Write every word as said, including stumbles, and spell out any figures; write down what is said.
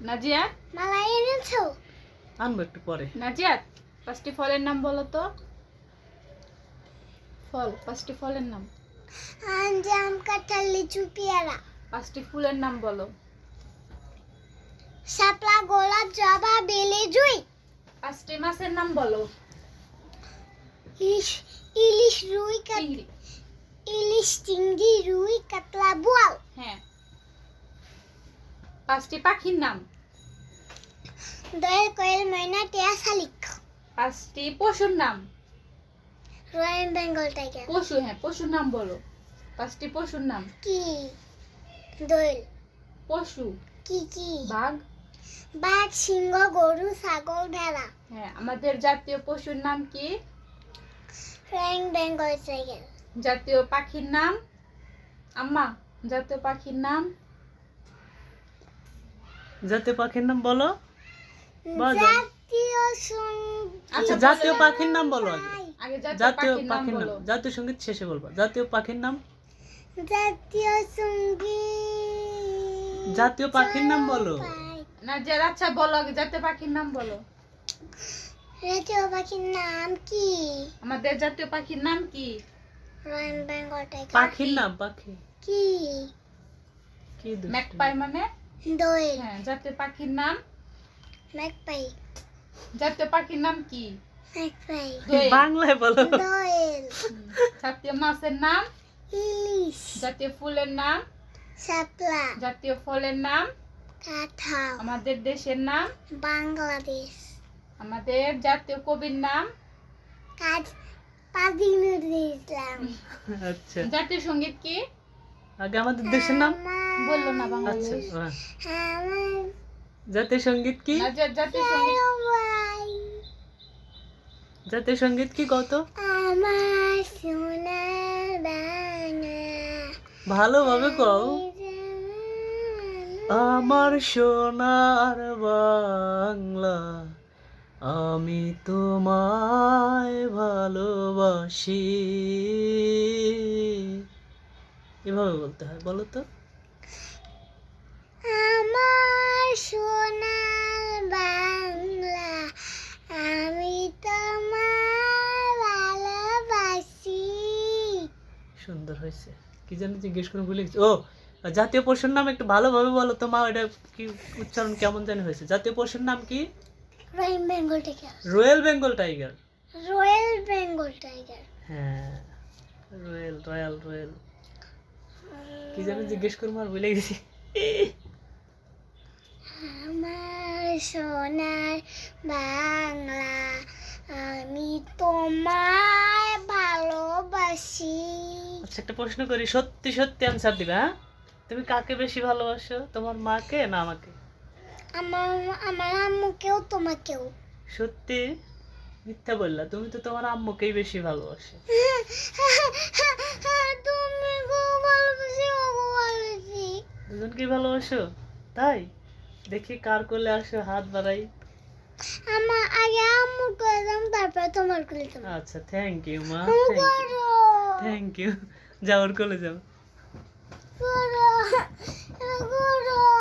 নাজিয়া মালা এনেছো? আনবো একটু পরে। নাজিয়া পাঁচটি ফলের নাম বলো তো। ফল, পাঁচটি ফলের নাম। আম, জাম, কাঁঠাল, লিচু, পেয়ারা। পাঁচটি ফুলের নাম বলো। শাপলা, গোলাপ, জবা, বেলি, জুঁই। পাঁচটি মাছের নাম বলো। ইলিশ, ইলিশ, রুই, কাত- চিংড়ি। ইলিশ, চিংড়ি, রুই, কাতলা, বোয়াল। হ্যাঁ। পাঁচটি পাখির নাম। দোয়েল, কোয়েল, ময়না, টিয়া, শালিক। পাঁচটি পশুর নাম। Royal Bengal tiger. পশু, হ্যাঁ পশুর নাম বলো। পাঁচটি পশুর নাম। কি? দোয়েল। পশু। কি কি? বাঘ। বাঘ, সিংহ, গরু, ছাগল, ভেড়া। হ্যাঁ। আমাদের জাতীয় পশুর নাম কি? Royal Bengal tiger. জাতীয় পাখির নাম। আম্মা, জাতীয় পাখির নাম। জাতীয় পাখির নাম বলো। বলো। জাতীয় সঙ্গীত। আচ্ছা, জাতীয় বলো। পাখির নাম বলো আগে। আগে জাতীয় জাতীয় পাখির নাম পাখির নাম, বলো। জাতীয় সঙ্গীত শেষে বলবা। জাতীয় পাখির নাম। জাতীয় সঙ্গীত। জাতীয় পাখির নাম বলো। নাজিয়া আচ্ছা বলো আগে জাতীয় পাখির নাম বলো। জাতীয় পাখির নাম কি? আমাদের জাতীয় পাখির নাম কি? Royal Bengal tiger. পাখির নাম, পাখি কি? কি দুষ্টু। ম্যাকপাই মানে। দোয়েল। হ্যাঁ। জাতীয় পাখির নাম। ম্যাকপাই। জাতীয় পাখির নাম কি? ম্যাকপাই। দোয়েল। বাংলায় বলো। দোয়েল। হুম। জাতীয় মাছের নাম। ইলিশ। জাতীয় ফুলের নাম। শাপলা। জাতীয় ফলের নাম। কাঁঠাল। আমাদের দেশের নাম। বাংলাদেশ। আমাদের জাতীয় কবির নাম। কাজ কাজী নজরুল ইসলাম। আচ্ছা, জাতীয় সঙ্গীত কি? আগে আমাদের দেশের নাম বললো না আচ্ছা। বাংলাদেশ। আহ, আমার জাতীয় সঙ্গীত কি? নাজিয়া জাতীয় সঙ্গীত। ভাই, জাতীয় সঙ্গীত কি কত? আমার সোনার বাংলা। ভালোভাবে কও। আমার সোনার বাংলা, আমি তোমায় ভালোবাসি। এভাবে বলতে হয়, বলো তো। আমার সোনার বাংলা, আমি তোমায় ভালোবাসি। সুন্দর হয়েছে। কি জানি জিজ্ঞেস করে ভুলে গেছি। ও, জাতীয় পশুর নাম একটু ভালোভাবে বলো তো মা। এটা কি উচ্চারণ কেমন জানি হয়েছে? জাতীয় পশুর নাম কি? Royal Bengal tiger. Royal Bengal tiger. Royal Bengal tiger. হ্যাঁ, রয়্যাল রয়্যাল রয়্যাল। কি জানি জিজ্ঞেস করবো আর ভুলে গেছি। আমার সোনার বাংলা, আমি তোমায় ভালোবাসি। আচ্ছা, একটা প্রশ্ন করি, সত্যি সত্যি অ্যান্সার দিবে। হ্যাঁ, তুমি কাকে বেশি ভালোবাসো, তোমার মাকে না আমাকে? আমার আমার আম্মুকেও তোমাকেও। সত্যি? মিথ্যা বললা, তুমি তো তোমার আম্মুকেই বেশি ভালোবাসো। তুমি খুব ভালোবাসি, খুব ভালোবাসি। দুজনকেই ভালোবাসো? তাই দেখি কার কোলে আসো, হাত বাড়াই। আমার আগে আম্মুর করে দাম, তারপর তোমার করে দাম। আচ্ছা, থ্যাংক ইউ মা, করো থ্যাংক ইউ। যাও, ওর কোলে যাও। করো করো।